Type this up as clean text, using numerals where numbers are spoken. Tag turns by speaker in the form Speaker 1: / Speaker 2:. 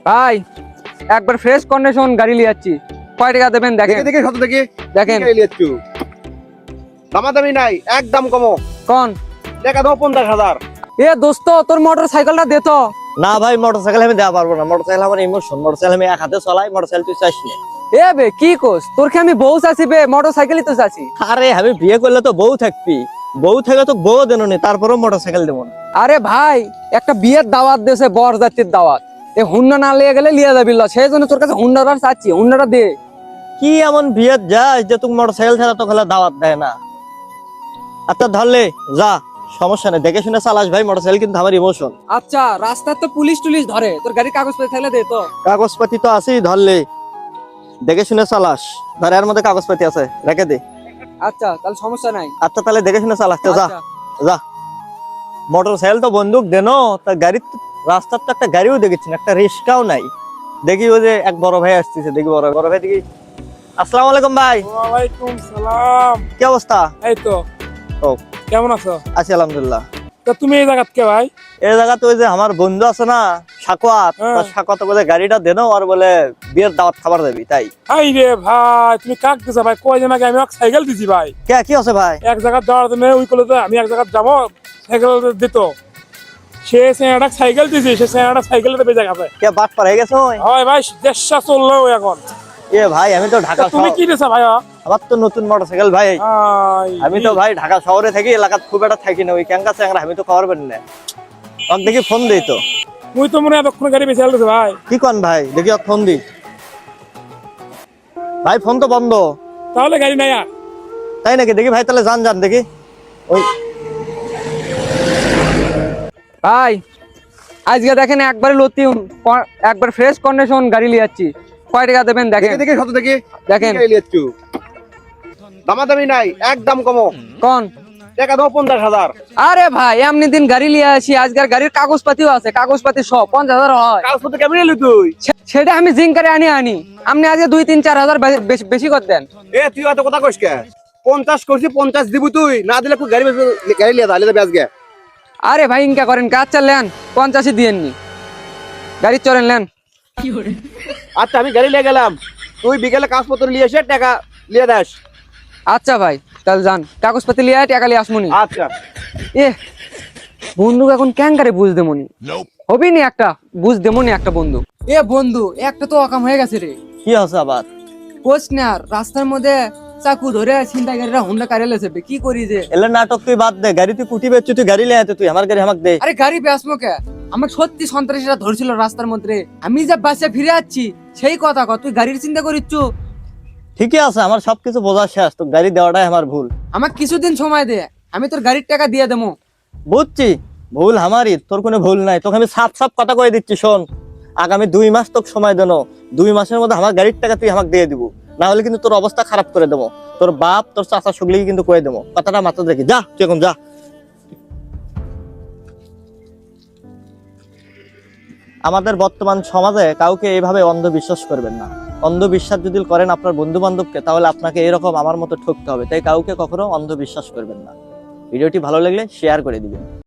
Speaker 1: ভাই একবার fresh condition গাড়ি নিয়ে যাচ্ছি, কয় টাকা দেবেন দেখেন।
Speaker 2: দেখে শত দেখে
Speaker 1: দেখেন
Speaker 2: লিয়াচ্ছু দামাদামি নাই, একদম কমো।
Speaker 1: কোন
Speaker 2: টাকা দাও 50,000।
Speaker 1: এ দোস্ত তোর মোটর সাইকেলটা দে তো।
Speaker 3: না ভাই, মোটরসাইকেল আমি দেওয়া পারবো না। মোটরসাইকেল আমার ইমোশন। মোটরসাইকেল আমি এক হাতে চালাই। মোটরসাইকেল তুই চাস না।
Speaker 1: এ বে কি কোস, তোর কি আমি বউ চাচ্ছি বে, মোটর সাইকেলই তো চাচ্ছি।
Speaker 3: আরে আমি বিয়ে করলে তো বউ থাকবি, বউ থেকে তো বউ দেন নি, তারপরেও মোটরসাইকেল দেবো না।
Speaker 1: আরে ভাই একটা বিয়ের দাওয়াত দেশে, বর জাতির দাওয়াত, এ হুন্ডা না লিয়ে গেলে লিয়ে যাবি, সেই জন্য তোর কাছে হুন্ডাটা চাচ্ছি, হুন্ডাটা দে।
Speaker 3: কি এমন বিয়ের যাস যে তুমি মোটরসাইকেল ছাড়া তো খেলা দাওয়াত দেয় না? আচ্ছা ধরলে যা, সমস্যা নেই, দেখে শুনে চালাস ভাই। মোটরসাইকেল কিন্তু আমার ইমোশন।
Speaker 1: আচ্ছা রাস্তায় তো পুলিশ টুলিশ ধরে, তোর গাড়ির কাগজপত্র থাকলে দে তো।
Speaker 3: কাগজপাতি তো আছেই, ধরলে দেখে শুনে চালাস। ধর এর মধ্যে কাগজপাতি আছে, রেখে দে।
Speaker 1: আচ্ছা তাহলে সমস্যা নাই।
Speaker 3: আচ্ছা তাহলে দেখে শুনে চালাস তো, যা
Speaker 1: আচ্ছা।
Speaker 3: যা। মোটরসাইকেল তো বন্দুক দেন, তার গাড়ির রাস্তার তো একটা গাড়িও দেখেছি না, একটা রিস্কাও নাই। দেখি ওই যে এক বড় ভাই আসতেছে, দেখি বড় ভাই দেখি। আসসালামু আলাইকুম ভাই।
Speaker 4: ওয়ালাইকুম সালাম।
Speaker 3: কি অবস্থা?
Speaker 4: এই তো।
Speaker 3: ও
Speaker 4: কেমন আছো?
Speaker 3: আছি আলহামদুলিল্লাহ।
Speaker 4: তো তুমি এই জায়গাত কে ভাই?
Speaker 3: এই জায়গাতে ওই যে আমার বন্ধু আছে না সাকোয়াত,
Speaker 4: হ্যাঁ।
Speaker 3: সাকোয়াত বলে গাড়িটা দেন, আর বলে বিয়ের দাওয়াত খাবার দেবি তাই।
Speaker 4: হাই রে ভাই, তুমি কাক দিছো ভাই? কয়দিন আগে আমি এক সাইকেল দিছি ভাই,
Speaker 3: কে কি আছে ভাই?
Speaker 4: এক জায়গা যাওয়ার জন্য। ওই কলেজে আমি এক জায়গা যাবো, সাইকেল দিত। সে একটা সাইকেল দিছি, সে একটা সাইকেলটা বেজে গেছে।
Speaker 3: কে বাট পার হয়ে গেছে ওই?
Speaker 4: হয় ভাই, দেশটা চললো এখন।
Speaker 3: এ ভাই আমি তো ঢাকা
Speaker 4: তুমি কি দিছো ভাই?
Speaker 3: আমার তো নতুন মোটরসাইকেল ভাই। আমি তো ভাই ঢাকা শহরে থাকি, এলাকাত খুব একটা থাকি না। ওই ক্যাঙ্কা চ্যাংরা আমি তো খাবার পারি না। তখন দেখি ফোন দিই তো।
Speaker 4: মুই তো মনে হয় এতক্ষণ গাড়ি বেঁচে দিছে ভাই।
Speaker 3: কি কন ভাই, দেখি ফোন দি। ভাই ফোন তো বন্ধ।
Speaker 4: তাহলে গাড়ি নাই আর।
Speaker 3: তাই নাকি? দেখি ভাই তাহলে যান যান দেখি। ওই
Speaker 1: ভাই আজকে দেখেন একবারে লতিউন, একবার ফ্রেশ কন্ডিশন গাড়ি নিয়ে যাচ্ছি, কয় টাকা দেবেন দেখেন।
Speaker 2: দেখে শত দেখে
Speaker 1: দেখেন
Speaker 2: লিয়াচ্ছু দামাদামি নাই, একদম কমো।
Speaker 1: কোন
Speaker 2: টাকা দাও 50,000।
Speaker 1: আরে ভাই এমনি দিন গাড়ি নিয়ে আসি, আজকের গাড়ির কাগজপাতিও আছে, কাগজপাতি সব 50,000 হয়।
Speaker 2: কাগজপত্র কেমন এলি তুই?
Speaker 1: সেটা আমি জিঙ্কারে আনি আপনি আজকে 2-3-4 হাজার বেশি করে দেন।
Speaker 2: এ তুই এত কথা কইস কে? 50 করছি, 50 দিবি তুই না দিলে খুব গাড়ি গাড়ি লিয়া দাঁড়িয়ে যাবে আজকে।
Speaker 1: আরে ভাই ইনকা করেন, কাজ চালেন 50 দিয়েননি, গাড়ি চলেন লেন।
Speaker 2: আচ্ছা আমি গাড়ি লিয়ে গেলাম, তুই বিকেলে কাগজপত্র নিয়ে এসে টাকা লিয়ে দাস।
Speaker 1: আচ্ছা ভাই তাহলে যান, কাগজপাতি লিয়ে টাকা লিয়ে আসমুনি।
Speaker 2: আচ্ছা
Speaker 1: এ বন্ধু এখন ক্যাঙ্কারে বুঝ দেমনি, হবি নি একটা বুঝ দেমনি একটা বন্ধু। এ বন্ধু একটা তো অকাম হয়ে গেছে রে।
Speaker 3: কি আছে আবার?
Speaker 1: কোচ না আর রাস্তার মধ্যে চাকু ধরে ছিনতাইকারীরা হুন্ডা কারে লেছে, কি করি যে।
Speaker 3: এলে নাটক তুই বাদ দে, গাড়ি তুই কুটি বেচছিস, তুই গাড়ি লিয়ে আয়, তুই আমার গাড়ি আমাকে দে।
Speaker 1: আরে গাড়ি বেসমো কে, আমার সত্যি সন্ত্রাসীরা ধরছিল রাস্তার মধ্যে, আমি যে বাসে ফিরে যাচ্ছি সেই কথা কর, তুই গাড়ির চিন্তা করিচ্ছু।
Speaker 3: ঠিকই আছে, আমার সবকিছু বোঝা শেষ, তো গাড়ি দেওয়াটাই আমার ভুল।
Speaker 1: আমার কিছুদিন সময় দে, আমি তোর গাড়ির টাকা দিয়ে দেবো।
Speaker 3: বুঝছি, ভুল আমারই, তোর কোনো ভুল নাই। তোকে আমি সাফ সাফ কথা কয়ে দিচ্ছি, শোন, আগামী 2 মাস তোকে সময় দেন। 2 মাসের মধ্যে আমার গাড়ির টাকা তুই আমাকে দিয়ে দিব, না হলে কিন্তু তোর অবস্থা খারাপ করে দেবো। তোর বাপ তোর চাচা সগলিকে কিন্তু কয়ে দেবো, কথাটা মাথা রেখে যা, তুই এখন যা। আমাদের বর্তমান সমাজে কাউকে এইভাবে অন্ধবিশ্বাস করবেন না। অন্ধবিশ্বাস যদি করেন আপনার বন্ধু বান্ধবকে, তাহলে আপনাকে এরকম আমার মতো ঠকতে হবে। তাই কাউকে কখনো অন্ধবিশ্বাস করবেন না। ভিডিওটি ভালো লাগলে শেয়ার করে দিবেন।